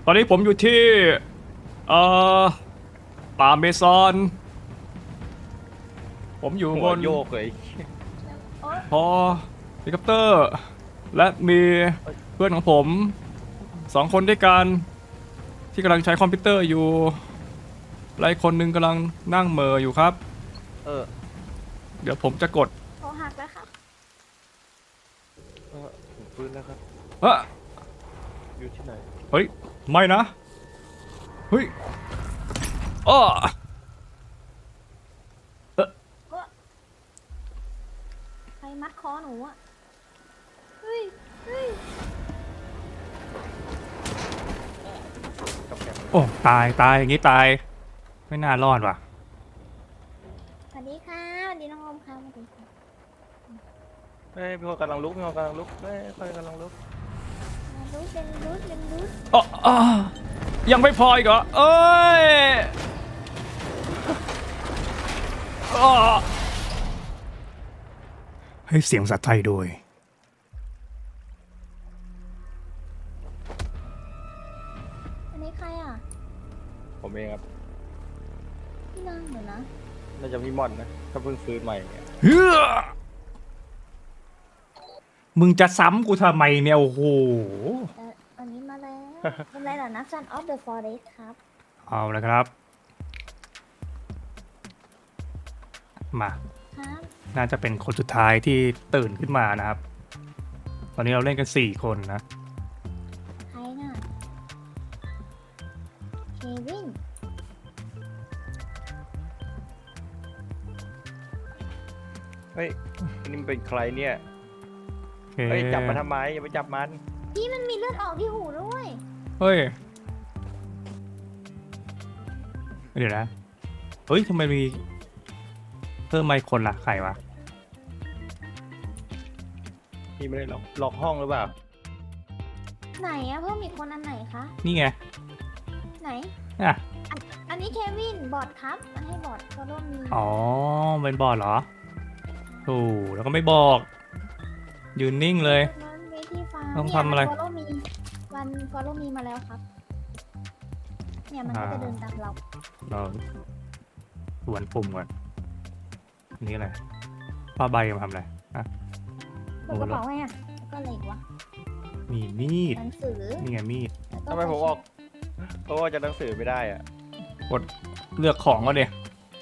ตอนนี้ผมอยู่ที่เอ่อป่าเมซอนผมอยู่บหัวน โยกเลยพอเฮลิคอปเตอร์ และมีเพื่อนของผม2 คนด้วยกันที่กำลังใช้คอมพิวเตอร์อยู่และอีกคนนึงกำลังนั่งเหม่ออยู่ครับเออเดี๋ยวผมจะกดโทรหักแล้วครับผมฟื้นแล้วครับเฮ้ยอยู่ที่ไหนเฮ้ยไม่นะเฮ้ยอ้อใครมัดคอหนูอ่ะ เฮ้ย เฮ้ยกับแกมโอ้ตายอย่างนี้ตายไม่น่ารอดว่ะสวัสดีค่ะสวัสดีน้องอมค่ะสวัสดีค่ะเฮ้ยพี่คนกำลังลุกพี่คนกำลังลุกเฮ้ยพี่คนกำลังลุกมารูดเป็นรูดเป็นรูดอ๋อยังไม่พออีกเหรอเอ้ยอ้อให้เสียงสัตว์ไทยโดยอันนี้ใครอ่ะผมเองครับพี่นางเหรอนะน่าจะพี่ม่อนนะถ้าเพิ่งฟื้นใหม่เนี่ยเฮ้อมึงจะซ้ำกูทำไมเนี่ยโอ้โหอันนี้มาแล้ว เป็นไรเหรอนะ Son of the Forest ครับเอาละครับ มาครับน่าจะเป็นคนสุดท้ายที่ตื่นขึ้นมานะครับ ตอนนี้เราเล่นกัน4 คนนะใครน่ะ เควินเฮ้ยอันนี่มันเป็นใครเนี่ยโอเคเฮ้ยจับมันทำไมอย่าไปจับมันพี่มันมีเลือดออกที่หูด้วยเฮ้ย เดี๋ยวนะ เฮ้ยทำไมมีเพิ่มมาอีกคนล่ะใครวะพี่ไม่ได้ล็อกห้องหรือเปล่าไหนอะเพิ่มอีกคนอันไหนคะนี่ไงไหนอ่ะอันนี้เควิน บอทครับมาให้บอทก็ร่วมมีอ๋อเป็นบอร์ดเหรอโอ้แล้วก็ไม่บอก ยืนนิ่งเลยนั้นวิธีฟ้าต้องทำอะไรฟอลโล่มีวันฟอลโล่มีมาแล้วครับ เนี่ยมันก็จะเดินตามเราเราสวนปุ่มก่อนอันนี้อะไรผ้าใบมาทำอะไรอ่ะเปิดกระเป๋าไงอ่ะแล้วก็อะไรอีกวะมีมีดหนังสือนี่ไงมีดแล้วก็ทำไมผมออกเพราะว่าจะหนังสือไม่ได้อะเลือกของก็เดี๋ย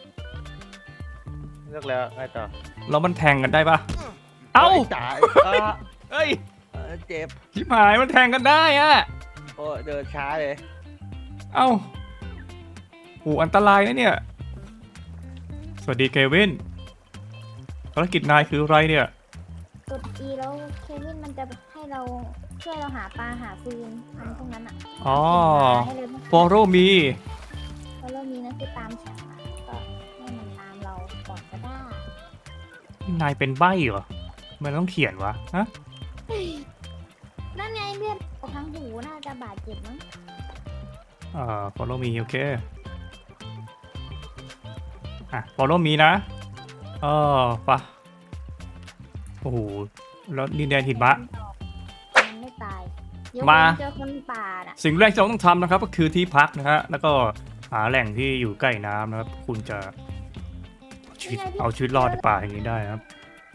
เลือกแล้วไงต่อแล้วมันแทงกันได้ปะเอ้าจ่ายเอ้ยเจ็บชิบหายมันแทงกันได้อะโอ้เดินช้าเลยเอ้าโหอันตรายนะเนี่ย สวัสดีเควินภารกิจนายคืออะไรเนี่ยกด E แล้วเควินมันจะให้เราช่วยเราหาปลาหาฟืนทำพวกนั้นอ่ะอ๋อให้เลย follow me ฟอลโล่มีนะคือตามฉันอะก็ให้มันตามเราก่อนก็ได้นายเป็นใบ้เหรอมันต้องเขียนวะฮะนั่นไงเลือดออกทางหูน่าจะบาดเจ็บมั้ง follow me โอเคอ่ะ follow me นะปะโอ้โหแล้วดินแดนหิมะมันไม่ตายยกมาเว้นเจอคนป่าน่ะสิ่งแรกที่เราต้องทำนะครับก็คือที่พักนะฮะแล้วก็หาแหล่งที่อยู่ใกล้น้ำนะครับ คุณจะเอาชีวิตรอดในป่าอย่างนี้ได้นะครับ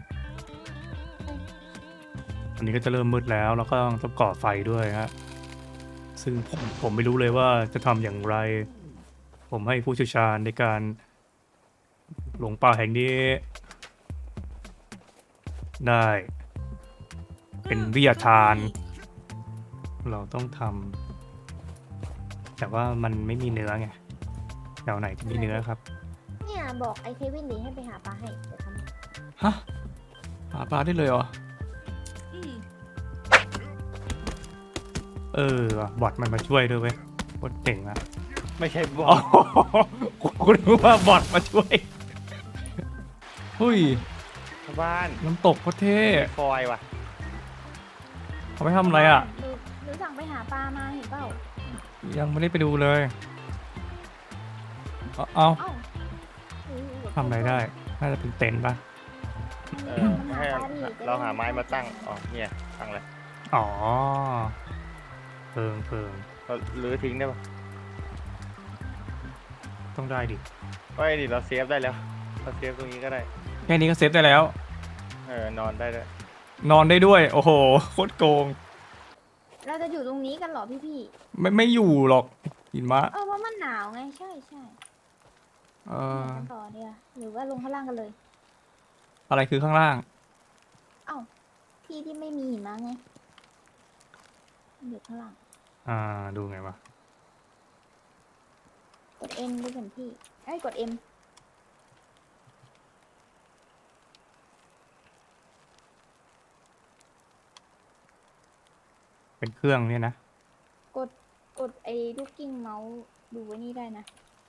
อันนี้ก็จะเริ่มมืดแล้วแล้วก็ต้องก่อไฟด้วยฮะซึ่งผมไม่รู้เลยว่าจะทำอย่างไร ผมให้ผู้เชี่ยวชาญในการหลงป่าแห่งนี้ ได้เป็นวิทยาทาน เราต้องทำแต่ว่ามันไม่มีเนื้อไงแถวไหนจะมีเนื้อครับเนี่ยบอกไอ้เควินหลีให้ไปหาปลาให้เดี๋ยวทำฮะหาปลาได้เลยเหรอว่ะบอทมันมาช่วยด้วยเว้ยโคตรเจ๋งอะไม่ใช่บออ๋อกกูรู้ว่าบอทมาช่วยหุ้ยบ้านน้ำตกโคตรเท่ฟอยว่ะเขาไปทำอะไรอ่ะหรือสั่งไปหาปลามาเห็นเปล่ายังไม่ได้ไปดูเลยเอาเอ้าทำอะไรได้ น่าจะเป็นเต็นท์ปะมันให้หาปลาดิจะได้เราหาไม้มาตั้งอ๋อเนี่ยตั้งเลยอ๋อเพิงเราลื้อทิ้งได้ปะต้องได้ดิไม่ดิเราเซฟได้แล้วเราเซฟตรงนี้ก็ได้แค่นี้ก็เซฟได้แล้วนอนได้ด้วยนอนได้ด้วย โอ้โหโคตรโกงเราจะอยู่ตรงนี้กันเหรอพี่ไม่อยู่หรอกหิมะเพราะมันหนาวไงใช่เออกันต่อเนี่ยหรือว่าลงข้างล่างกันเลยอะไรคือข้างล่างเอ้าที่ที่ไม่มีหิมะไงอยู่ข้างล่างดูไงวะกด N ดูแผนที่กด M เป็นเครื่องเนี่ยนะกดไอ้ลูกกิ้งเมาส์ดูไว้นี่ได้นะ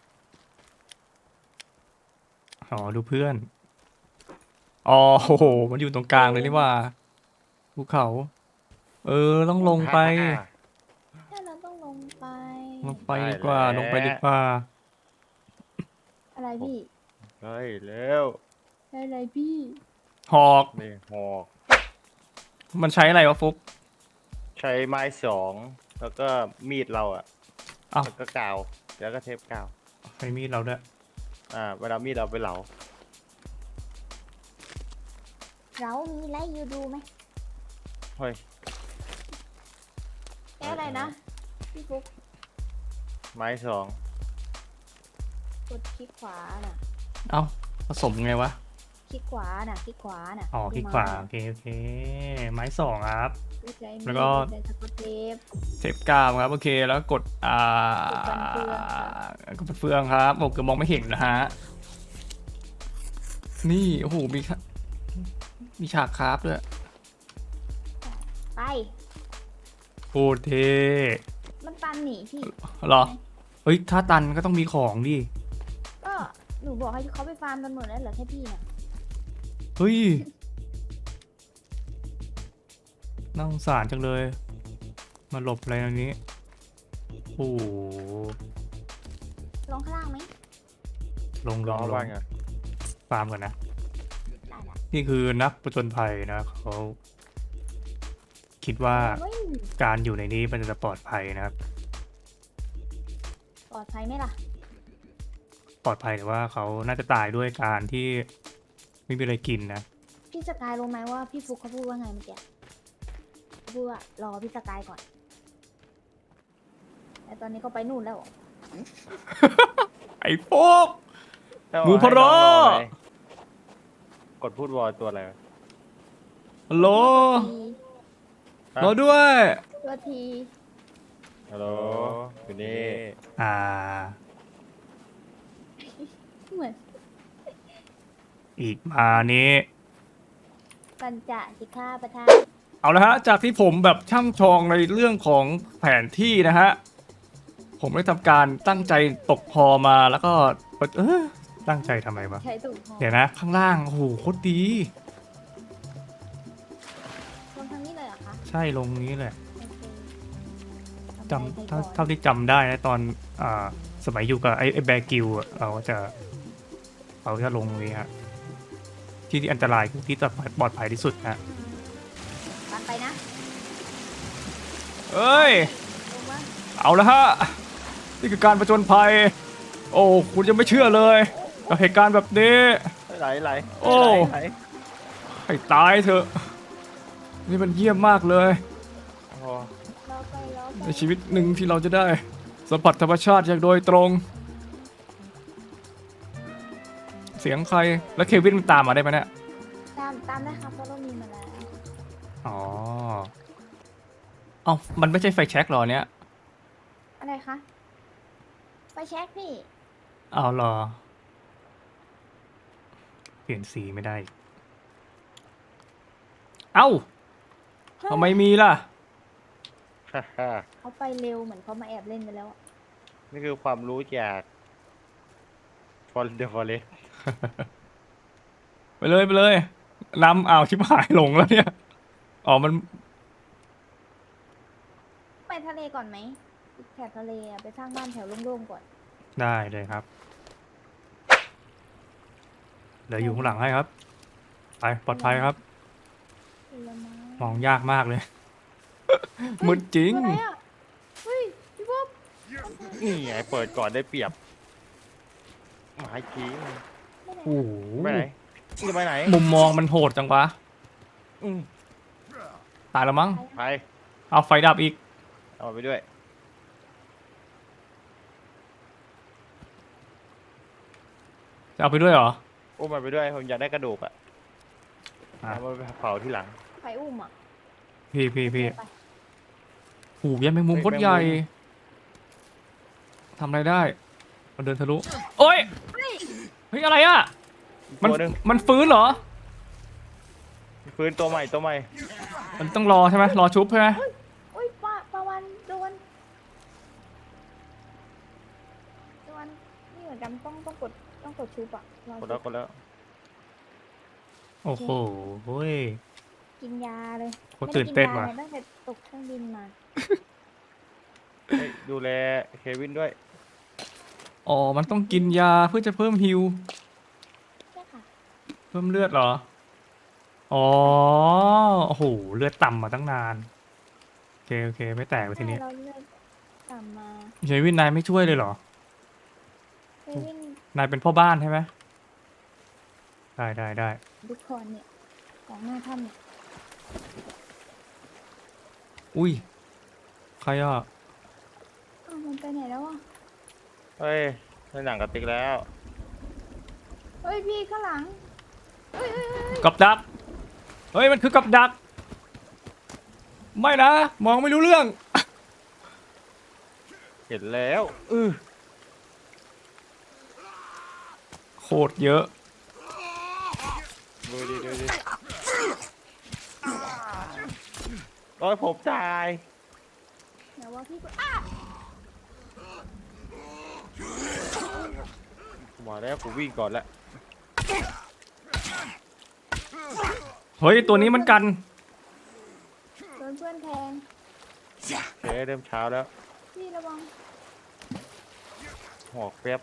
อ๋อ ดูเพื่อน อ๋อโอ้โห มันอยู่ตรงกลางเลยนี่ว่าภูเขา ต้องลงไปถ้าเราต้องลงไปลงไปดีกว่า ลงไปดีกว่าอะไรพี่เฮ้ยเร็วอะไรพี่หอกนี่หอกมันใช้อะไรวะฟุกใช้ไม้2แล้วก็มีดเราอ่ะอ้าวแล้วก็กาวแล้วก็เทปกาวใช้มีดเราด้วยเวลามีดเราไปเหลาเรามีไลฟ์ยูดูไหมเฮ้ยแค่อะไรนะ พี่ฟุกไม้2 กดคลิกขวาน่ะเอ้า ผสมไงวะคลิกขวาน่ะ คลิกขวาน่ะอ๋อ คลิกขวา โอเค โอเค ไม้สองครับดูใจมีแล้วก็ดูใจสกอตเทปเทปกาวครับ โอเค แล้วกด กดฟันเฟืองครับผมก็มองไม่เห็นนะฮะ นี่ โอ้โห มีฉากคราฟด้วยไปโคตรเท่มันตันหนีพี่เหรอ เฮ้ย ถ้าตันก็ต้องมีของดิก็หนูบอกให้เขาไปฟาร์มกันหมดแล้วเหรอแค่พี่น่ะเฮ้ย น่าสงสารจังเลย มาหลบอะไรตรงนี้ โอ้โหลงข้างล่างไหมลงล้อลบ้าง งอ่ะฟาร์มก่อนนะได้ละนี่คือนักประจนภัยนะเขาคิดว่าเฮ้ยการอยู่ในนี้มันจะปลอดภัยนะครับปลอดภัยไหมล่ะปลอดภัยแต่ว่าเขาน่าจะตายด้วยการที่ไม่มีอะไรกินนะพี่สกายรู้ไหมว่าพี่ฟุกเขาพูดว่าไงเมื่อกี้เขาพูดว่ารอพี่สกายก่อน แต่ตอนนี้เขาไปนู่นแล้วไอ้พวก หมูพะโล้กดพูดวอลตัวอะไรวะฮัลโหลทีรอด้วยตัวทีฮัลโหลอยู่นี่เหมือนอีกมานี้ปัญจสิกขาประธานเอาละฮะ จากที่ผมแบบช่ำชองในเรื่องของแผนที่นะฮะ ผมได้ทำการตั้งใจตกพอมาแล้วก็ตั้งใจทำไมวะใช้ถูกพอเดี๋ยวนะ ข้างล่าง โอ้โห โคตรดีลงทางนี้เลยเหรอคะใช่ลงนี้แหละโอเคจำเท่าที่จำได้นะตอนสมัยอยู่กับไอ้แบร์กิลอะเราจะลงตรงนี้ฮะที่อันตรายที่จะปลอดภัยที่สุดฮะปันไปนะเอ้ยลงมาเอาละฮะ นี่คือการประจนภัย โอ้คุณจะไม่เชื่อเลยกับเหตุการณ์แบบนี้ไหลโอ้ไหลให้ตายเถอะ นี่มันเยี่ยมมากเลยโอ้โหเราไปเราไปในชีวิตหนึ่งที่เราจะได้สัมผัสธรรมชาติอย่างโดยตรง เสียงใครแล้วเควินมันตามมาได้ไหมเนี่ยตามได้ครับเพราะเรามีมาแล้วอ๋อ เอ้ามันไม่ใช่ไฟแช็กหรอเนี่ยอะไรคะไปเช็คพี่เอาเหรอ เปลี่ยนสีไม่ได้ เอ้าทำไมมีล่ะฮ่าฮ่าเขาไปเร็วเหมือนเขามาแอบเล่นไปแล้วอะนี่คือความรู้จากฟอร์เดฟอเรสไปเลยไปเลยนำอ้าวชิบหายหลงแล้วเนี่ย อ๋อมันไปทะเลก่อนไหมแถบทะเลอะไปสร้างบ้านแถวโล่งๆก่อนได้เลยครับเดี๋ยวอยู่ข้างหลังให้ครับ ไปปลอดภัยครับผลไม้มองยากมากเลย มืดจริงอะไรอะเฮ้ยพี่พวนี่ไงเปิดก่อนได้เปรียบหมายทีไม่ได้โอ้โหไปไหนจะไปไหนมุมมองมันโหดจังวะอืมตายแล้วมั้งไปเอาไฟดับอีกเอาไปด้วยจะเอาไปด้วยเหรออุ้มมันไปด้วยผมอยากได้กระดูกอ่ะอ่ะเอามาไปเผาที่หลังไฟอุ้มอ่ะพี่ไปโอ้โหยันแมงมุมเฮ้ยโคตรใหญ่แมงมุทำอะไรได้ มันเดินทะลุ โอ้ย เฮ้ยอะไรอ่ะ มันตัวหนึงมันฟื้นเหรอฟื้นตัวใหม่ตัวใหม่มันต้องรอใช่ไหมรอชุบใช่ไหมอุ้ยปลาวันโดนนี่เหมือนกันต้องกดชุบอ่ะรอกดแล้วกดแล้วโอ้โหเฮ้ยกินยาเลยโคตรตื่นเต้นว่ะไม่ได้กินยาเลยตั้งแต่ตกเครื่องบินมาเฮ้ยดูแลเควินด้วยอ๋อ มันต้องกินยาเพื่อจะเพิ่มฮิวใช่ค่ะเพิ่มเลือดเหรอ อ๋อ โอ้โห เลือดต่ำมาตั้งนาน โอเค ไม่แตกไปทีนี้เราเลือกกลับมาเชวินนายไม่ช่วยเลยเหรอเควินนายเป็นพ่อบ้านใช่ไหมได้ดูคอนเนี่ยของหน้าถ้ำเนี่ยอุ้ย ใครอ่ะอ้าวมันไปไหนแล้วอ่ะเฮ้ยในหนังกระติกแล้วเฮ้ยพี่ข้างหลังเฮ้ยกับดัก เฮ้ย มันคือกับดัก ไม่นะ มองไม่รู้เรื่องเห็นแล้วโคตรเยอะดูดิโอ้ยผมตายเดี๋ยวว่าพี่ก็อ้ามาแล้วกูวิ่งก่อนแล้วเฮ้ย ตัวนี้มันกันโดนเพื่อนแทงเฮ้ยเริ่มเช้าแล้วพี่ระวังหอกแป๊บ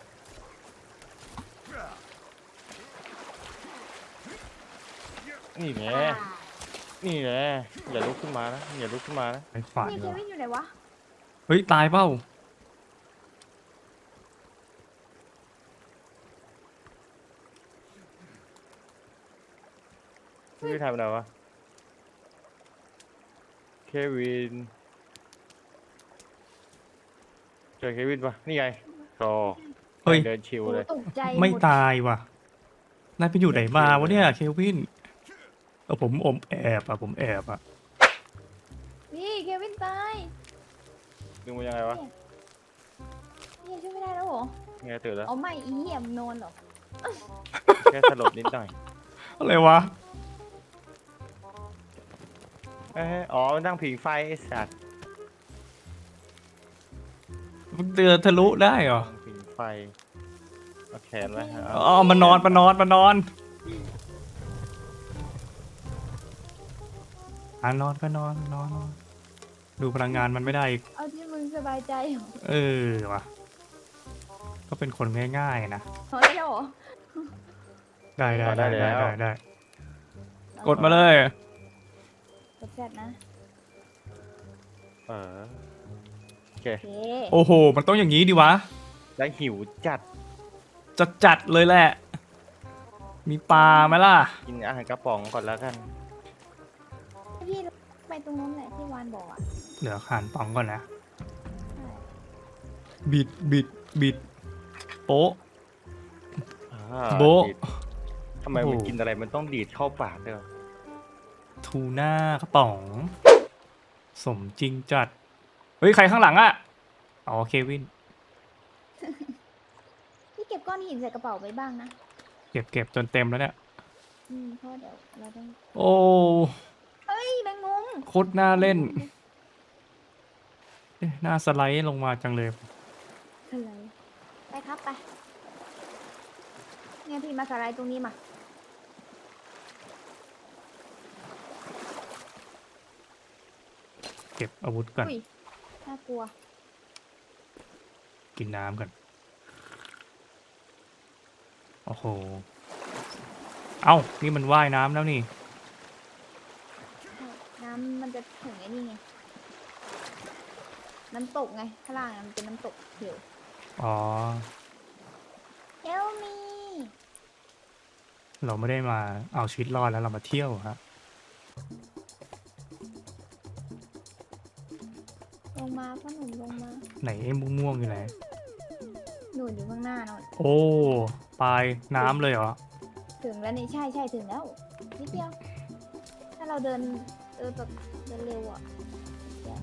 นี่แหละนี่แหละอย่าลุกขึ้นมานะอย่าลุกขึ้นมานะไปขวานพี่เหเครอวินอยู่ไหนวะเฮ้ย ตายเปล่าพี่ทำอะไรวะเควินเจอเควินปะนี่ไงรอเฮ้ยเดินชิวโอ้เลยตกใจไม่หดตายว่ะ นายไปอยู่ไหนมาวะเนี่ย เควินผมแอบอ่ะ ผมแอบอ่ะพี่เควินตายดึงมันยังไงวะพี่ช่วยไม่ได้แล้วเหรอไงตื่นแล้วเอาไม่อีเหี้ยมนอนเหรอแค่สลบนิดหน่อยอะไรวะอ๋อมันตั้งผิงไฟไอ้สัตว์มันเดือทะลุได้เหรอตั้งผิงไฟเอาแขนไว้อ๋อมานอนนอนก็นอน ดูพลังงานมันไม่ได้อีกเอาที่มึงสบายใจเหรอเออว่ะ ก็เป็นคนง่ายๆนะพอแล้วเหรอได้ กดมาเลยกดแซดนะโอเคโอเคโอ้โห มันต้องอย่างนี้ดิวะแล้วหิวจัดจัดเลยแหละ มีปลาไหมล่ะกินอาหารกระป๋องก่อนแล้วกันพี่ไปตรงนู้นแหละที่วานบอกอ่ะเดี๋ยวขานป่องก่อนนะใช่บิด โป๊ะอ่าโบ๊ะดีดทำไมโอ้มันโหกินอะไรมันต้องดีดเข้าปากด้วยวะทูน่ากระป๋อง สมจริงจัด เฮ้ย ใครข้างหลังอะอ๋อ เควินพี่เก็บก้อนหินใส่กระเป๋าไว้บ้างนะเก็บจนเต็มแล้วเนี่ยเพราะเดี๋ยวเราต้องโอ้เฮ้ยแมงมุมโคตรน่าเล่นเอ๊ะน่าสไลด์ลงมาจังเลยอะไรไปครับไปเนี่ยพี่มาสไลด์ตรงนี้มาเก็บอาวุธก่อนอุ้ยน่ากลัวกินน้ำก่อน โอ้โห เอ้า นี่มันว่ายน้ำแล้วนี่น้ำมันจะถึงไอ้นี่ไงน้ำตกไงข้างล่างมันเป็นน้ำตกเหวอ๋อเอลมีเราไม่ได้มาเอาชีวิตรอดแล้วเรามาเที่ยวฮะลงมาพ่อหนุ่มลงมาไหนไอ้ม่วงๆอยู่ไหนหนูอยู่ข้างหน้าหน่อยโอ้ปลายน้ำเลยเหรอถึงแล้วนี่ใช่ใช่ถึงแล้วนิดเดียว ถ้าเราเดินแบบเดินเร็วอ่ะเดี๋ยว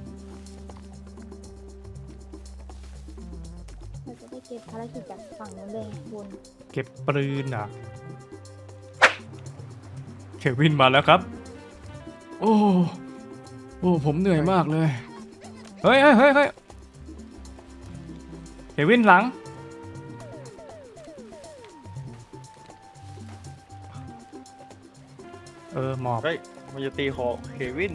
เราจะได้เก็บภารกิจจากฝั่งนู้นเลยบนเก็บปืนเหรอ่ะเควินมาแล้วครับ โอ้ผมเหนื่อยมากเลย เฮ้ยเควินหลัง หมอบเฮ้ยมันจะตีคอเควิน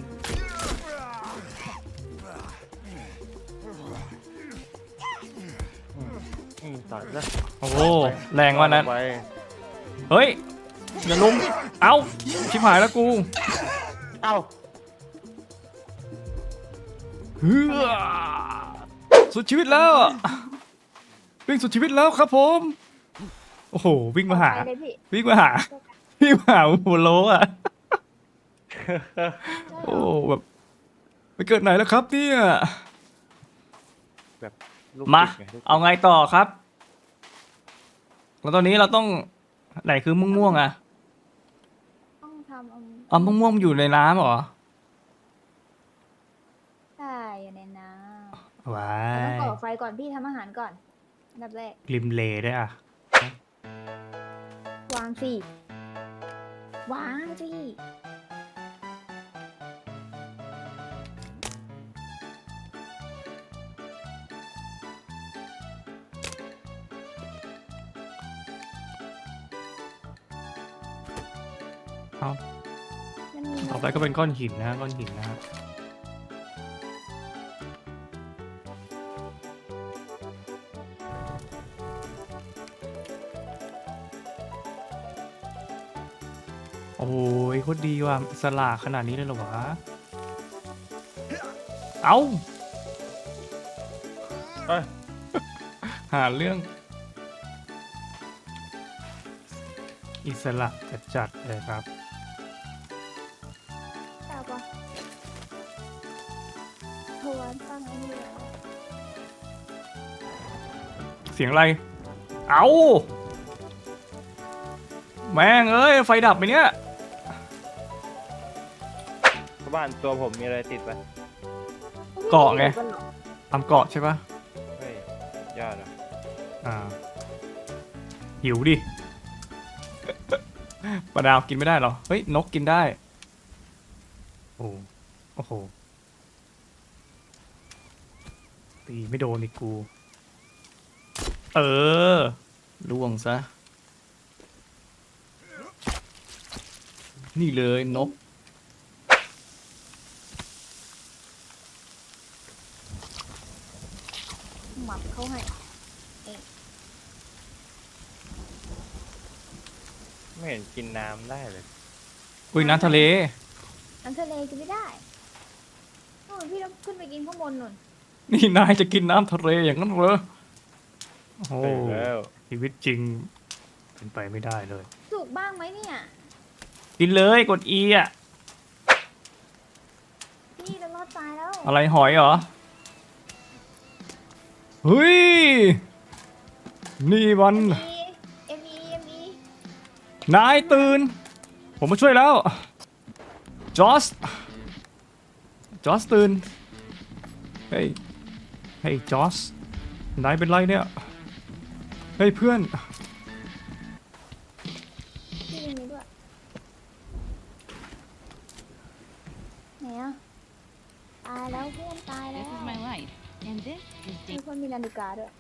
ตัดแล้วโอ้แรงว่านั้นไปเฮ้ย อย่าลุม เอ้า ชิบหายแล้วกูเอ้าเฮือสุดชีวิตแล้ว วิ่งสุดชีวิตแล้วครับผม โอ้โห วิ่งมาหาไปเลยพี่วิ่งมาหา วิ่งมาหาหัวโลอ่ะ โอ้แบบไปเกิดไหนแล้วครับเนี่ยแบบลูกมาศิษย์ไงลูกศิษย์เอาไงต่อครับ แล้วตอนนี้เราต้องไหนคือม่วงๆอ่ะต้องทำอ๋อม่วงๆอยู่ในน้ำเหรอใช่อยู่ในน้ำว้าเราต้องยก่อไฟก่อนพี่ทำอาหารก่อนอันดับแรกริมเลด้วยอ่ะวางสิวางสิเอามันมีต่อไปก็เป็นก้อนหินนะก้อนหินนะฮะโอ้ยโคตรดีว่ะอิสระขนาดนี้เลยเหรอวะ เอาเอ้ยหาเรื่อง อิสระจัดๆเลยครับตาปะโทนตั้งไอ้นี่แล้วเสียงอะไร เอาแม่งเอ้ย ไฟดับไปเนี่ยชาวบ้านตัวผมมีอะไรติดปะเกาะไง ทำเกาะใช่ปะเฮ้ยยอดอ่ะอ่า หิวดิ ปลาดาวกินไม่ได้เหรอ เฮ้ย นกกินได้ โอ้โห ตีไม่โดนอีกกู เออล่วงซะ นี่เลยนกหมับเขาให้ไม่เห็นกินน้ำได้เลยอุ้ยน้ำทะเลน้ำทะเลกินไม่ได้โอ้ยพี่ต้องขึ้นไปกินข้างบนนู่นนี่นายจะกินน้ำทะเลอย่างนั้นเหรอ โอ้ไปแล้วชีวิตจริง เป็นไปไม่ได้เลยสุกบ้างไหมเนี่ยกินเลยกด E อ่ะพี่เรารอดตายแล้วอะไรหอยเหรอ เฮ้ย นี่มันเอ็มอีนายตื่น ผมมาช่วยแล้ว จอสตื่น เฮ้ยจอส นายเป็นไรเนี่ย เฮ้ยเพื่อนพี่ยังมีด้วยไหนอ่ะตายแล้วเพื่อนตายแล้ว This is my life, and this is มี Dave. คนมีนาฬิกาด้วย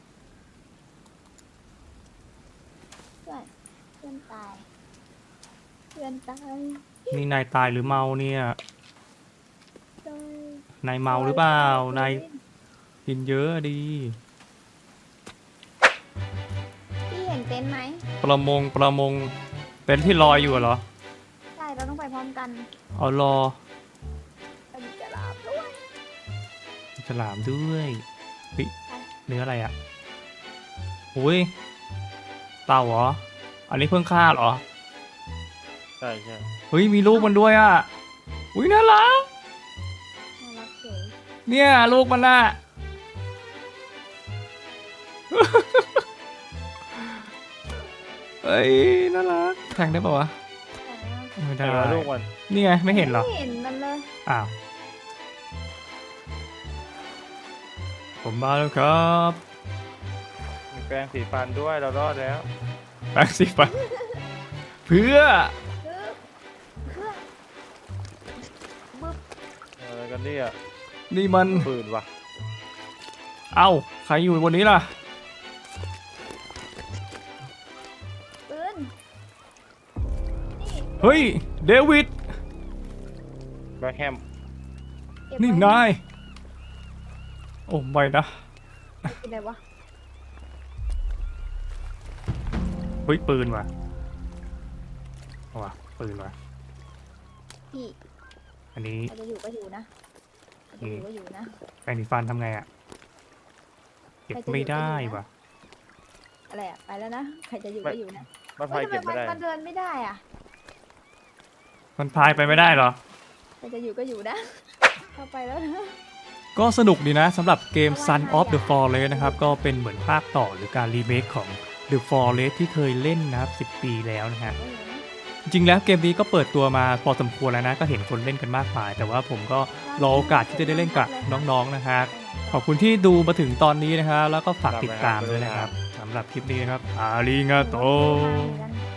เพื่อนตายเพื่อนตายนี่นายตายหรือเมาเนี่ยตายนายเมาหรือเปล่า นายกินเยอะดีพี่เห็นเต็นท์ไหมประมง เป็นที่ลอยอยู่เหรอใช่เราต้องไปพร้อมกันเอารอเราจะลาบด้วยฉลามด้วยเฮ้ยเนื้ออะไรอ่ะอุ้ยเต่าเหรออันนี้เพิ่งฆ่าเหรอใช่ใช่เฮ้ยมีลูกมันด้วยอ่ะอุ้ยน่ารักน่ารักเฉยเนี่ยลูกมันน่ะ เฮ้ยน่ารักแทงได้ป่าวะแต่ไม่แต่ได้ว่าลูกมันนี่ไงไม่เห็นเหรอไม่เห็นมันเลยอ้าวผมมาแล้วครับมีแปรงสีฟันด้วยเรารอดแล้วแป๊บสิฟันเพื่อเพื่อบึ๊บอะไรกันเนี่ยนี่มันปืนว่ะเอ้าใครอยู่บนนี้ล่ะปืนนี่เฮ้ยเดวิดแบ็คแฮมเก็บนี่ไว้นายโอ้ไม่นะเป็นไรวะเฮ้ยปืนว่ะเอาว่ะปืนว่ะพี่อันนี้ใครจะอยู่ก็อยู่นะใครจะอยู่ก็อยู่นะแปรงสีฟันทำไงอ่ะเก็บไม่ได้ว่ะอะไรอะไปแล้วนะใครจะอยู่ก็อยู่นะมันพาเฮ้ยยเก็บทำไมไม่ได้มันเดินไม่ได้อะมันพายไปไม่ได้เหรอใครจะอยู่ก็อยู่นะ เข้าไปแล้วนะก็สนุกดีนะสำหรับเกม Son of the Forest นะครับก็เป็นเหมือนภาคต่อหรือการรีเมคของ The Forest ที่เคยเล่นนะครับ10 ปีแล้วนะฮะ จริงๆแล้วเกมนี้ก็เปิดตัวมาพอสมควรแล้วนะก็เห็นคนเล่นกันมากมาย แต่ว่าผมก็รอโอกาสที่จะได้เล่นกับน้องๆนะฮะขอบคุณที่ดูมาถึงตอนนี้นะครับแล้วก็ฝากติดตามด้วยนะครับสำหรับคลิปนี้นะครับอาริงาโตโ